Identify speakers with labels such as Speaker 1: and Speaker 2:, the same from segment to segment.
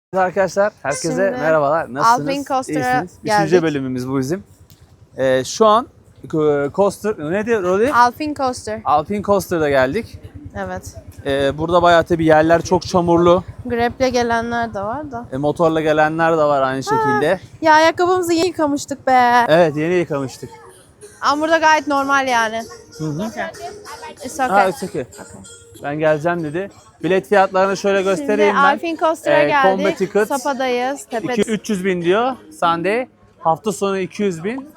Speaker 1: Arkadaşlar herkese
Speaker 2: Şimdi
Speaker 1: merhabalar. Nasılsınız?
Speaker 2: Alpine Coaster'a
Speaker 1: İyisiniz?
Speaker 2: geldik.
Speaker 1: Üçüncü bölümümüz bu bizim. Şu an Coaster, ne diyor Rolly?
Speaker 2: Alpine Coaster.
Speaker 1: Alpine Coaster'da geldik.
Speaker 2: Evet.
Speaker 1: Burada bayağı tabii yerler çok çamurlu.
Speaker 2: Grab'le gelenler de var da.
Speaker 1: Motorla gelenler de var aynı şekilde.
Speaker 2: Ya ayakkabımızı yeni yıkamıştık be.
Speaker 1: Evet, yeni yıkamıştık.
Speaker 2: Ama burada gayet normal yani.
Speaker 1: Hı.
Speaker 2: It's
Speaker 1: Ha,
Speaker 2: okay.
Speaker 1: it's okay. Ben geleceğim dedi. Bilet fiyatlarını şöyle göstereyim
Speaker 2: Şimdi
Speaker 1: ben.
Speaker 2: Alpine Coaster'a
Speaker 1: Combo
Speaker 2: geldik.
Speaker 1: tickets.
Speaker 2: Sapa'dayız.
Speaker 1: 300 bin diyor Sunday. Hafta sonu 200 bin.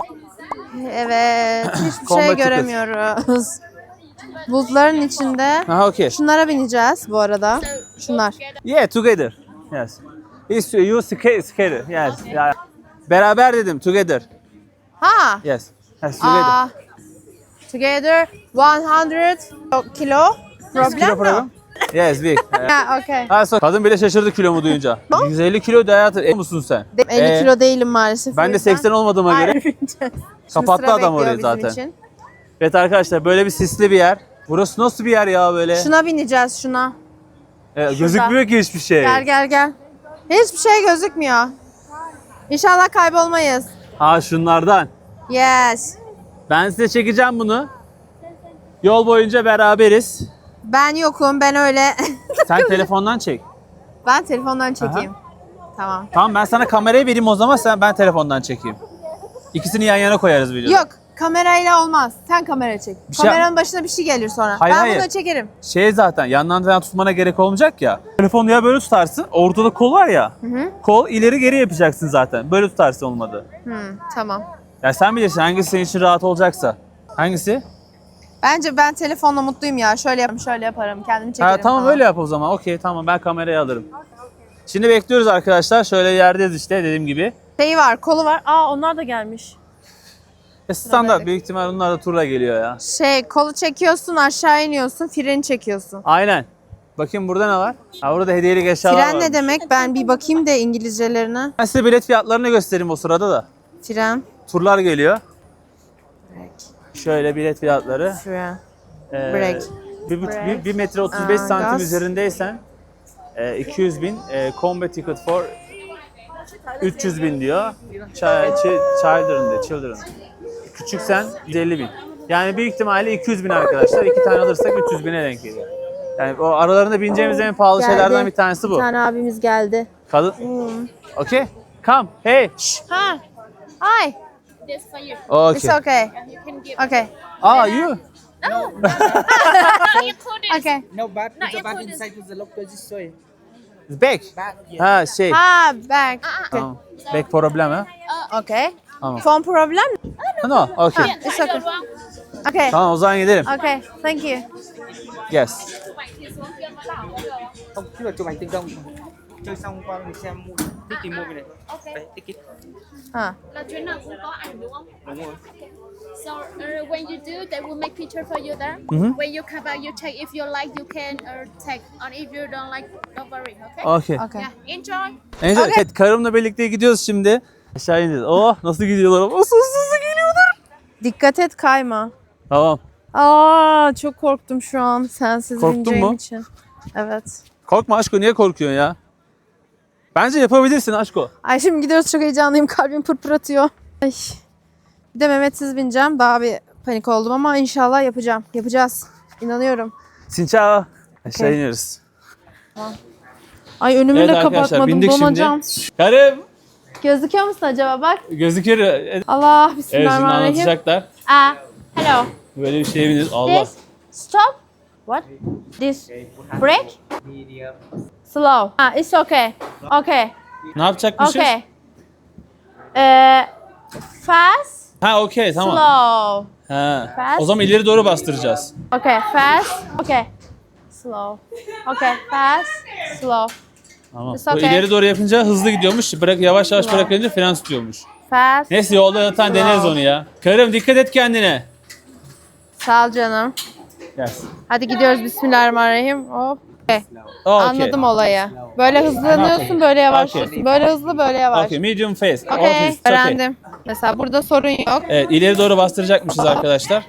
Speaker 2: Evet. Hiçbir
Speaker 1: Combo
Speaker 2: şey
Speaker 1: tickets.
Speaker 2: göremiyoruz. Bulutların içinde.
Speaker 1: Aha, okay.
Speaker 2: Şunlara bineceğiz bu arada. Şunlar.
Speaker 1: Yeah, together. Yes. You skater. Yes. Yeah. Beraber dedim, together.
Speaker 2: Ha.
Speaker 1: Yes. Yes, together.
Speaker 2: Together 100 kilo. Problem mi?
Speaker 1: Yes, big.
Speaker 2: Ha, okay.
Speaker 1: Kadın bile şaşırdı kilomu duyunca. 150 kilo da hayatım. Musun sen?
Speaker 2: 50 kilo değilim maalesef.
Speaker 1: Ben de 80 olmadığıma göre. Kapattı adam orayı zaten.
Speaker 2: Için.
Speaker 1: Evet arkadaşlar, böyle bir sisli bir yer. Burası nasıl bir yer ya böyle?
Speaker 2: Şuna bineceğiz şuna.
Speaker 1: Gözükmüyor ki hiçbir şey.
Speaker 2: Gel. Hiçbir şey gözükmüyor. İnşallah kaybolmayız.
Speaker 1: Ha, şunlardan.
Speaker 2: Yes.
Speaker 1: Ben size çekeceğim bunu. Yol boyunca beraberiz.
Speaker 2: Ben yokum. Ben öyle.
Speaker 1: Sen telefondan çek.
Speaker 2: Ben telefondan çekeyim. Tamam.
Speaker 1: Tamam, ben sana kamerayı vereyim o zaman, ben telefondan çekeyim. İkisini yan yana koyarız videoda.
Speaker 2: Yok. Kamerayla olmaz. Sen kamera çek.
Speaker 1: Bir şey-
Speaker 2: Kameranın başına bir şey gelir sonra.
Speaker 1: Hayır.
Speaker 2: Bunu çekerim.
Speaker 1: Zaten yandan falan tutmana gerek olmayacak ya. Telefonu ya böyle tutarsın. Ortada kol var ya. Kol ileri geri yapacaksın zaten. Böyle tutarsın olmadı.
Speaker 2: Tamam.
Speaker 1: Ya sen bilirsin hangisi senin için rahat olacaksa. Hangisi?
Speaker 2: Bence ben telefonla mutluyum ya. Şöyle yaparım. Kendimi çekerim.
Speaker 1: Ha, tamam
Speaker 2: falan.
Speaker 1: öyle yap o zaman. Okey, tamam, ben kamerayı alırım. Şimdi bekliyoruz arkadaşlar. Şöyle yerdeyiz işte dediğim gibi.
Speaker 2: Şeyi var, kolu var. Onlar da gelmiş.
Speaker 1: Standart, büyük ihtimal onlar da turla geliyor ya.
Speaker 2: Kolu çekiyorsun, aşağı iniyorsun, freni çekiyorsun.
Speaker 1: Aynen. Bakayım burada ne var? Ha, burada hediyelik eşyalar var.
Speaker 2: Fren ne demek? Ben bir bakayım da İngilizcelerine.
Speaker 1: Ben size bilet fiyatlarını göstereyim o sırada da.
Speaker 2: Fren.
Speaker 1: Turlar geliyor.
Speaker 2: Break.
Speaker 1: Şöyle bilet fiyatları.
Speaker 2: Fren.
Speaker 1: Ee,
Speaker 2: Break.
Speaker 1: 1 metre 35 santim
Speaker 2: Gaz.
Speaker 1: üzerindeysen 200 bin. Combo ticket for 300 bin diyor. Children. Küçüksen 150 bin. Yani büyük ihtimalle 200 bin arkadaşlar. 2 tane alırsak 300 bine denk geliyor. Yani o aralarında bineceğimiz en pahalı şeylerden bir tanesi bu.
Speaker 2: Bir tane abimiz geldi.
Speaker 1: Kadın. Okay. Come. Hey.
Speaker 2: Ha. Hi.
Speaker 3: This for you.
Speaker 1: Okay.
Speaker 2: It's okay.
Speaker 3: You can give.
Speaker 2: Okay.
Speaker 1: You.
Speaker 3: You put it.
Speaker 2: Okay.
Speaker 4: No, but
Speaker 3: No,
Speaker 4: the
Speaker 3: you
Speaker 4: bag
Speaker 3: put it-
Speaker 4: inside is the lock this way.
Speaker 1: Back.
Speaker 4: Back, yeah.
Speaker 1: Ha,
Speaker 2: Ha, back.
Speaker 1: Tamam. Back problem ha.
Speaker 2: Okay.
Speaker 1: Tamam.
Speaker 2: Phone problem?
Speaker 1: No. Okay.
Speaker 2: It's
Speaker 3: I
Speaker 2: okay.
Speaker 3: don't want.
Speaker 2: Okay.
Speaker 1: Tamam, o zaman gidelim.
Speaker 2: Okay. Thank you.
Speaker 1: Yes.
Speaker 4: Không, chứ là chụp ảnh tình đồng. Chơi xong qua mình xem mua ticket mua về này. Đấy, ticket.
Speaker 2: Ha.
Speaker 3: Là chuyến nào cũng có ảnh đúng không?
Speaker 4: Đúng rồi.
Speaker 3: So when you do, they will make picture for you there. When you come out, you check if you like, you can take. And if you don't like, don't worry. Okay?
Speaker 1: Okay.
Speaker 2: Okay.
Speaker 3: Yeah. Enjoy.
Speaker 1: Neyse, evet, karımla birlikte gidiyoruz şimdi. Aşağı ineceğiz. Oh, nasıl gidiyorlar? Nasıl hızlı gidiyorlar?
Speaker 2: Dikkat et kayma.
Speaker 1: Tamam.
Speaker 2: Çok korktum şu an sensiz
Speaker 1: Korktun
Speaker 2: bineceğim
Speaker 1: mu?
Speaker 2: için. Evet.
Speaker 1: Korkma Aşko, niye korkuyorsun ya? Bence yapabilirsin Aşko.
Speaker 2: Ay şimdi gidiyoruz, çok heyecanlıyım, kalbim pırpır atıyor. Ay. Bir de Mehmet'siz bineceğim. Daha bir panik oldum ama inşallah yapacağım. Yapacağız. İnanıyorum.
Speaker 1: Sinçao. Aşağı
Speaker 2: Okay.
Speaker 1: iniyoruz.
Speaker 2: Ay önümü
Speaker 1: Evet
Speaker 2: de
Speaker 1: arkadaşlar,
Speaker 2: kapatmadım,
Speaker 1: bindik
Speaker 2: donacağım.
Speaker 1: şimdi. Karım.
Speaker 2: Gözüküyor musun acaba bak?
Speaker 1: Gözüküyor. Evet,
Speaker 2: Allah,
Speaker 1: şimdi
Speaker 2: bismillahirrahmanirrahim.
Speaker 1: anlatacaklar.
Speaker 2: Hello.
Speaker 1: Böyle bir şeye biniyoruz. Allah.
Speaker 2: This, stop. What? This, break? Slow. It's okay. Okay.
Speaker 1: Ne yapacakmışız?
Speaker 2: Okay. Fast,
Speaker 1: Ha, okey, tamam.
Speaker 2: slow.
Speaker 1: Ha.
Speaker 2: Fast.
Speaker 1: O zaman ileri doğru bastıracağız.
Speaker 2: Okay, fast. Okay. Slow. Okay, fast, slow.
Speaker 1: Tamam.
Speaker 2: It's
Speaker 1: Bu
Speaker 2: okay.
Speaker 1: ileri doğru yapınca hızlı gidiyormuş. Yavaş yavaş bırakınca fren tutuyormuş.
Speaker 2: Fast.
Speaker 1: Neyse, yolda zaten deneriz onu ya. Karım, dikkat et kendine.
Speaker 2: Sağ ol canım.
Speaker 1: Yes.
Speaker 2: Hadi gidiyoruz, bismillahirrahmanirrahim. Hop. Okay.
Speaker 1: Okay.
Speaker 2: Anladım olayı. Böyle hızlanıyorsun, böyle yavaşlıyorsun.
Speaker 1: Okay.
Speaker 2: Böyle hızlı, böyle yavaş.
Speaker 1: Okay, medium face.
Speaker 2: Okay,
Speaker 1: It's okay.
Speaker 2: öğrendim. Mesela burada sorun yok.
Speaker 1: Evet, ileri doğru bastıracakmışız arkadaşlar.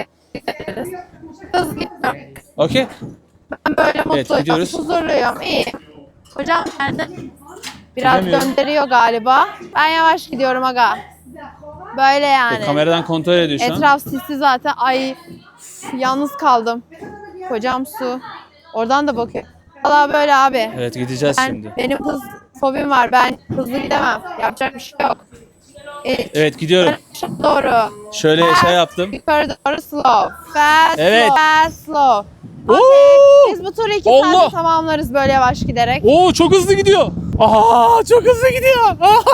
Speaker 2: Hızlı gitmiyorum.
Speaker 1: Okay.
Speaker 2: Ben böyle mutluyum,
Speaker 1: gidiyoruz.
Speaker 2: huzurluyum, iyi. Hocam nerede? Biraz
Speaker 1: Çekemiyorum.
Speaker 2: döndürüyor galiba. Ben yavaş gidiyorum aga. Böyle yani.
Speaker 1: Kameradan kontrol ediyor şu an.
Speaker 2: Etraf sisli zaten. Ay üf, yalnız kaldım. Kocam su. Oradan da bakıyor. Valla böyle abi.
Speaker 1: Evet gideceğiz şimdi.
Speaker 2: Benim hız fobim var. Ben hızlı gidemem. Yapacak bir şey yok.
Speaker 1: Evet gidiyorum.
Speaker 2: Doğru.
Speaker 1: Şöyle şey yaptım.
Speaker 2: Yukarı doğru slow. Fast
Speaker 1: Evet.
Speaker 2: slow. Fast slow.
Speaker 1: Oo!
Speaker 2: Okay. Biz bu turu 2
Speaker 1: Allah!
Speaker 2: saatte tamamlarız böyle yavaş giderek.
Speaker 1: Oo çok hızlı gidiyor. Aha çok hızlı gidiyor.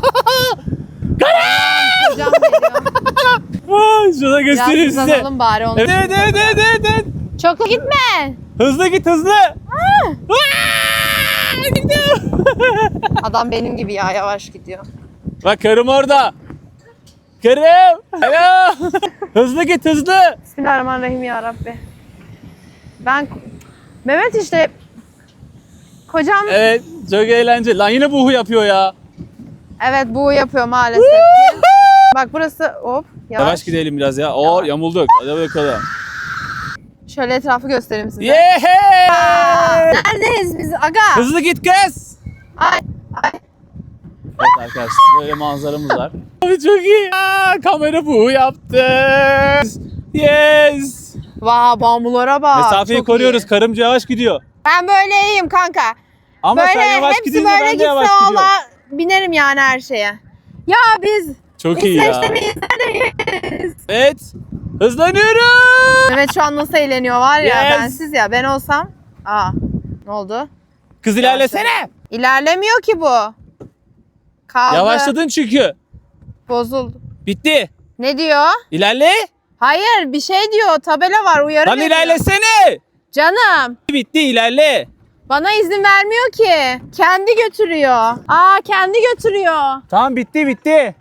Speaker 2: Kocam geliyor.
Speaker 1: Şurada
Speaker 2: Biraz
Speaker 1: göstereyim size.
Speaker 2: hızlanalım bari onu.
Speaker 1: Evet evet evet evet. Evet.
Speaker 2: Çok gitme.
Speaker 1: Hızlı git hızlı. Gidiyor.
Speaker 2: Adam benim gibi ya yavaş gidiyor.
Speaker 1: Bak karım orada. Karım. Alo. Hızlı git hızlı.
Speaker 2: Bismillahirrahmanirrahim ya Rabbi. Mehmet işte kocam
Speaker 1: Evet çok eğlenceli. Lan yine buhu yapıyor ya.
Speaker 2: evet bu yapıyor maalesef ki. Bak burası hop yavaş.
Speaker 1: Yavaş gidelim biraz ya. Oo yamulduk. Hadi bakalım.
Speaker 2: Şöyle etrafı göstereyim size.
Speaker 1: Yeah!
Speaker 2: Neredeyiz biz aga?
Speaker 1: Hızlı git kız.
Speaker 2: Ay ay.
Speaker 1: Evet arkadaşlar böyle manzaramız var. Abi çok iyi. Kamera buhu yaptı. Yes.
Speaker 2: Vaa bambulara bak.
Speaker 1: Mesafeyi
Speaker 2: çok
Speaker 1: koruyoruz.
Speaker 2: iyi.
Speaker 1: Karımca yavaş gidiyor.
Speaker 2: Ben böyle iyiyim kanka.
Speaker 1: Ama
Speaker 2: Böyle
Speaker 1: sen yavaş
Speaker 2: hepsi
Speaker 1: gidince
Speaker 2: böyle
Speaker 1: ben de
Speaker 2: gitse
Speaker 1: yavaş gidiyorum.
Speaker 2: valla binerim yani her şeye. Ya biz
Speaker 1: Çok iyi ya.
Speaker 2: İsveç'te
Speaker 1: Evet. Hızlanıyoruz.
Speaker 2: Mehmet şu an nasıl eğleniyor var ya
Speaker 1: Yes.
Speaker 2: bensiz ya ben olsam. Aa ne oldu?
Speaker 1: Kız ilerlesene.
Speaker 2: İlerlemiyor ki bu. Kaldı.
Speaker 1: Yavaşladın çünkü.
Speaker 2: Bozuldu.
Speaker 1: Bitti.
Speaker 2: Ne diyor?
Speaker 1: İlerle.
Speaker 2: Hayır bir şey diyor tabela var uyarı
Speaker 1: Lan
Speaker 2: veriyor.
Speaker 1: ilerlesene.
Speaker 2: Canım
Speaker 1: Bitti ilerle.
Speaker 2: bana izin vermiyor ki. Kendi götürüyor. Kendi götürüyor.
Speaker 1: Tamam bitti.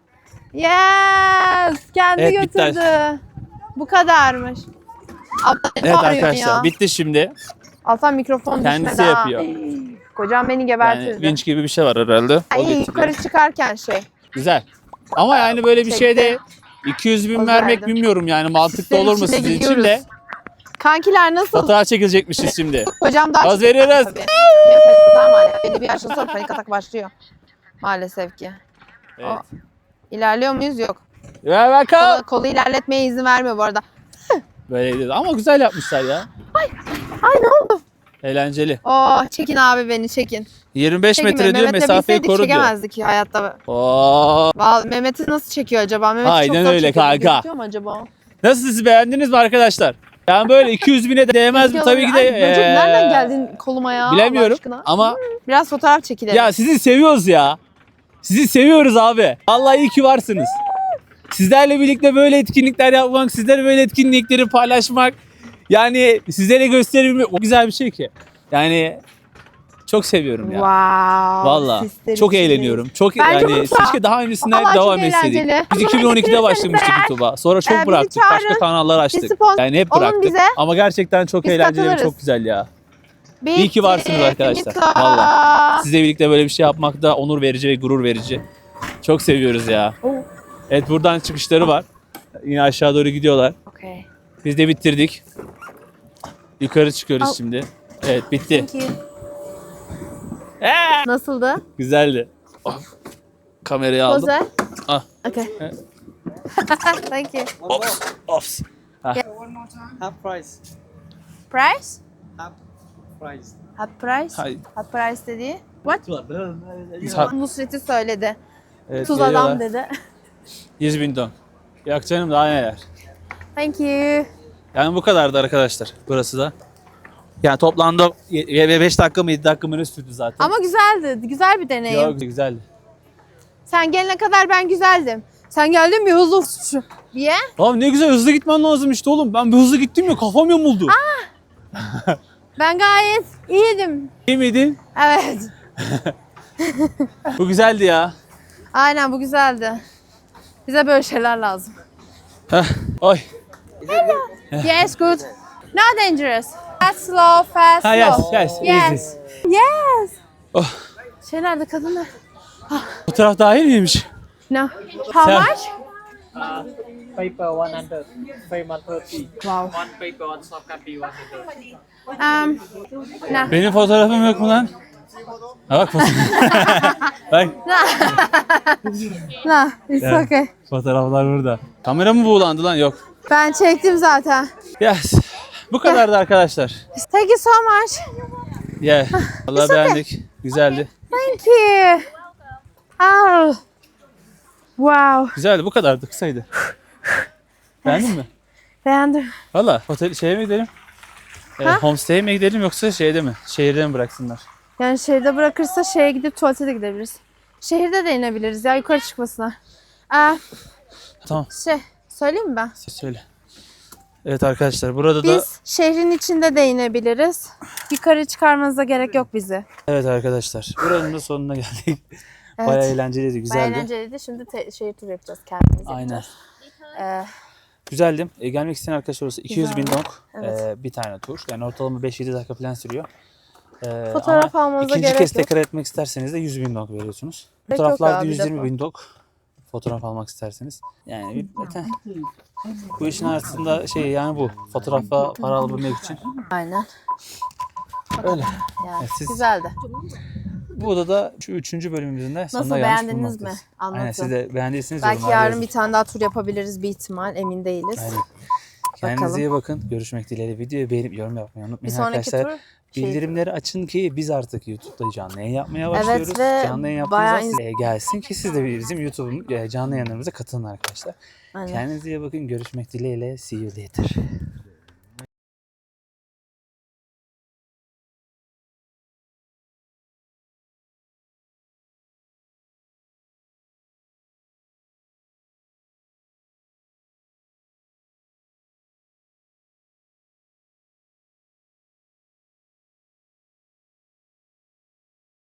Speaker 2: Yes kendi
Speaker 1: Evet, bitti.
Speaker 2: götürdü. Bu kadarmış. Abla, ne
Speaker 1: Evet
Speaker 2: bağırıyorsun
Speaker 1: arkadaşlar
Speaker 2: ya?
Speaker 1: bitti şimdi.
Speaker 2: Altan mikrofon
Speaker 1: Kendisi
Speaker 2: düşmedi ha.
Speaker 1: yapıyor.
Speaker 2: Kocam beni
Speaker 1: Yani
Speaker 2: gebertirdi.
Speaker 1: vinç gibi bir şey var herhalde. O
Speaker 2: Ay,
Speaker 1: getiriyor.
Speaker 2: yukarı çıkarken şey.
Speaker 1: Güzel. Ama yani böyle bir
Speaker 2: Çekti.
Speaker 1: şeyde 200 bin
Speaker 2: Poz
Speaker 1: vermek
Speaker 2: verdim.
Speaker 1: bilmiyorum yani mantıklı
Speaker 2: Sizin
Speaker 1: olur mu
Speaker 2: için de
Speaker 1: sizin için
Speaker 2: gidiyoruz.
Speaker 1: de.
Speaker 2: Kankiler nasıl?
Speaker 1: Fotoğraf çekilecekmişiz şimdi.
Speaker 2: Kocam daha
Speaker 1: Poz veriyoruz.
Speaker 2: Tabii. Benim panik atağım var ya. Belli bir yaştan sonra panik atak başlıyor. Maalesef ki.
Speaker 1: Evet.
Speaker 2: İlerliyor muyuz? Yok.
Speaker 1: Ver bakalım.
Speaker 2: Kolu ilerletmeye izin vermiyor bu arada.
Speaker 1: Böyle değil. Ama güzel yapmışlar ya.
Speaker 2: Ay ne oldu?
Speaker 1: Eğlenceli.
Speaker 2: Çekin abi beni çekin.
Speaker 1: 25
Speaker 2: Çekin
Speaker 1: metre
Speaker 2: beni.
Speaker 1: diyor
Speaker 2: Mehmet'le
Speaker 1: mesafeyi
Speaker 2: bilseydik
Speaker 1: koru diyor.
Speaker 2: çekemezdik ya hayatta.
Speaker 1: Oo.
Speaker 2: Vallahi Mehmet'i nasıl çekiyor acaba? Mehmet'i
Speaker 1: Aynen
Speaker 2: çok zor
Speaker 1: öyle
Speaker 2: çekiyor.
Speaker 1: kanka.
Speaker 2: Gözüküyor mu acaba?
Speaker 1: Nasıl siz beğendiniz mi arkadaşlar? Yani böyle 200 bine de değmez mi? Tabii ki de.
Speaker 2: Ay, böcek nereden geldin koluma ya? Allah
Speaker 1: Bilemiyorum
Speaker 2: aşkına?
Speaker 1: ama
Speaker 2: Biraz fotoğraf çekilelim.
Speaker 1: ya sizi seviyoruz ya. Sizi seviyoruz abi. Vallahi iyi ki varsınız. Sizlerle birlikte böyle etkinlikler yapmak, sizlerle böyle etkinlikleri paylaşmak, yani sizlere gösterebilmek o güzel bir şey ki. Yani çok seviyorum ya.
Speaker 2: Wow.
Speaker 1: Vallahi
Speaker 2: sisler
Speaker 1: çok
Speaker 2: içindeyiz.
Speaker 1: eğleniyorum. Çok
Speaker 2: Ben çok
Speaker 1: yani
Speaker 2: mutluyum.
Speaker 1: keşke daha öncesinden
Speaker 2: Vallahi çok
Speaker 1: devam etseydik.
Speaker 2: eğlenceli.
Speaker 1: Biz
Speaker 2: Ama
Speaker 1: 2012'de
Speaker 2: getirirseniz
Speaker 1: başlamıştık
Speaker 2: eğer,
Speaker 1: YouTube'a. Sonra çok
Speaker 2: bizi
Speaker 1: bıraktık. Başka
Speaker 2: çağırın.
Speaker 1: kanallar açtık.
Speaker 2: sponsor
Speaker 1: Yani hep
Speaker 2: olun
Speaker 1: bıraktık.
Speaker 2: bize.
Speaker 1: Ama gerçekten çok
Speaker 2: Biz
Speaker 1: eğlenceli ve
Speaker 2: katılırız.
Speaker 1: çok güzel ya.
Speaker 2: Bitti,
Speaker 1: İyi ki varsınız arkadaşlar.
Speaker 2: bitti.
Speaker 1: Vallahi. Sizle birlikte böyle bir şey yapmak da onur verici ve gurur verici. Çok seviyoruz ya.
Speaker 2: Oh.
Speaker 1: Evet buradan çıkışları var. Yine aşağı doğru gidiyorlar.
Speaker 2: Okay.
Speaker 1: Biz de bitirdik. Yukarı çıkıyoruz
Speaker 2: Al.
Speaker 1: şimdi. Evet bitti.
Speaker 2: Thank you. Nasıldı?
Speaker 1: Güzeldi. Oh. Kamerayı aldım.
Speaker 2: Poze.
Speaker 1: Ah.
Speaker 2: Okay.
Speaker 1: Evet.
Speaker 2: Thank you.
Speaker 1: Ops.
Speaker 4: Half price.
Speaker 2: Price?
Speaker 4: Half price.
Speaker 2: Half price?
Speaker 1: Hayır.
Speaker 2: Half price dediği? What?
Speaker 1: Ha-
Speaker 2: Nusret'i söyledi.
Speaker 1: Evet,
Speaker 2: Tuz
Speaker 1: geliyorlar.
Speaker 2: adam dedi.
Speaker 1: 100 bin ton. Yok canım daha neler.
Speaker 2: Thank you.
Speaker 1: Yani bu kadardı arkadaşlar burası da. Yani toplamda 5 dakika mı 7 dakika mı ne sürdü zaten.
Speaker 2: Ama güzeldi. Güzel bir deneyim.
Speaker 1: Yok, güzeldi.
Speaker 2: Sen gelene kadar ben güzeldim. Sen geldin bir hızlı diye.
Speaker 1: Abi ne güzel hızlı gitmen lazım işte oğlum. Ben bir hızlı gittim ya kafam yamuldu.
Speaker 2: Ben gayet iyiydim.
Speaker 1: İyi miydin?
Speaker 2: Evet.
Speaker 1: Bu güzeldi ya.
Speaker 2: Aynen bu güzeldi. Bize böyle şeyler lazım.
Speaker 1: Heh. Oy.
Speaker 2: Yes, good. Not dangerous. Fast, slow, fast,
Speaker 1: Ha yes
Speaker 2: slow.
Speaker 1: yes.
Speaker 2: Yes.
Speaker 1: Yes.
Speaker 2: Yes.
Speaker 1: Oh.
Speaker 2: Şey nerede kadınlar?
Speaker 1: Fotoğraf dahil miymiş?
Speaker 2: No. How
Speaker 1: Sen-
Speaker 2: much?
Speaker 4: Paper 100. Frame 130.
Speaker 2: Wow.
Speaker 4: One paper on soft copy 100.
Speaker 2: No.
Speaker 1: Benim fotoğrafım yok mu lan? Ha bak bak
Speaker 2: Nah, it's
Speaker 1: Evet.
Speaker 2: okay.
Speaker 1: fotoğraflar burada. Kamera mı buğulandı lan? Yok.
Speaker 2: Ben çektim zaten.
Speaker 1: Yes. Bu kadardı arkadaşlar.
Speaker 2: Thank you so much.
Speaker 1: Yeah. Vallahi beğendik. Güzeldi.
Speaker 2: Thank you. Oh. Wow.
Speaker 1: Güzeldi. Bu kadardı. Kısaydı. Beğendin mi?
Speaker 2: Beğendim.
Speaker 1: Valla otel şeye mi gidelim? Homestay'e mi gidelim yoksa şeyde mi? Şehirde mi bıraksınlar?
Speaker 2: Yani şehirde bırakırsa şeye gidip tuvalete de gidebiliriz. Şehirde de inebiliriz ya yukarı çıkmasına.
Speaker 1: Tamam.
Speaker 2: Söyleyeyim mi ben?
Speaker 1: Söyle. Evet arkadaşlar burada da
Speaker 2: Biz şehrin içinde de inebiliriz. Yukarı çıkarmanıza gerek yok bizi.
Speaker 1: evet arkadaşlar buranın da sonuna geldik.
Speaker 2: Evet.
Speaker 1: Bayağı eğlenceliydi, güzeldi.
Speaker 2: Bayağı eğlenceliydi. Şimdi şehir turu yapacağız kendimiz.
Speaker 1: Aynen.
Speaker 2: Ee,
Speaker 1: Güzeldi. Gelmek isteyen arkadaşlar olursa 200 bin
Speaker 2: Güzeldi.
Speaker 1: dong
Speaker 2: Evet.
Speaker 1: bir tane tur. Yani ortalama 5-7 dakika falan sürüyor.
Speaker 2: Fotoğraf
Speaker 1: ama
Speaker 2: almanıza
Speaker 1: ikinci
Speaker 2: gerek
Speaker 1: kez
Speaker 2: yok.
Speaker 1: tekrar etmek isterseniz de 100 bin dong veriyorsunuz.
Speaker 2: Gerek yok
Speaker 1: Fotoğraflarda
Speaker 2: abi,
Speaker 1: 120
Speaker 2: defa.
Speaker 1: bin dong. Fotoğraf almak isterseniz. Yani bu işin arasında yani bu. Fotoğrafa para alabilmek için.
Speaker 2: Aynen.
Speaker 1: Öyle.
Speaker 2: Yani
Speaker 1: Evet, siz-
Speaker 2: güzeldi.
Speaker 1: Bu odada şu 3. bölümümüzün de sonuna
Speaker 2: Nasıl,
Speaker 1: gelmiş
Speaker 2: beğendiniz mi?
Speaker 1: bulunmaktayız.
Speaker 2: Anlatın.
Speaker 1: Aynen, siz de beğendiyseniz
Speaker 2: Belki
Speaker 1: yorumlarda
Speaker 2: yarın
Speaker 1: yazın.
Speaker 2: bir tane daha tur yapabiliriz bir ihtimal. Emin değiliz.
Speaker 1: Aynen. Kendinize
Speaker 2: Bakalım.
Speaker 1: iyi bakın. Görüşmek dileğiyle. Videoyu beğenip yorum yapmayı
Speaker 2: Bir
Speaker 1: unutmayın
Speaker 2: sonraki
Speaker 1: arkadaşlar.
Speaker 2: tur şey-
Speaker 1: Bildirimleri açın ki biz artık YouTube'da canlı yayın yapmaya başlıyoruz.
Speaker 2: ve
Speaker 1: Canlı yayın
Speaker 2: bayağı
Speaker 1: yaptığımızda gelsin ki siz de bizim YouTube'un canlı yayınlarımıza katılın arkadaşlar.
Speaker 2: Aynen.
Speaker 1: Kendinize iyi bakın. Görüşmek dileğiyle. See you later.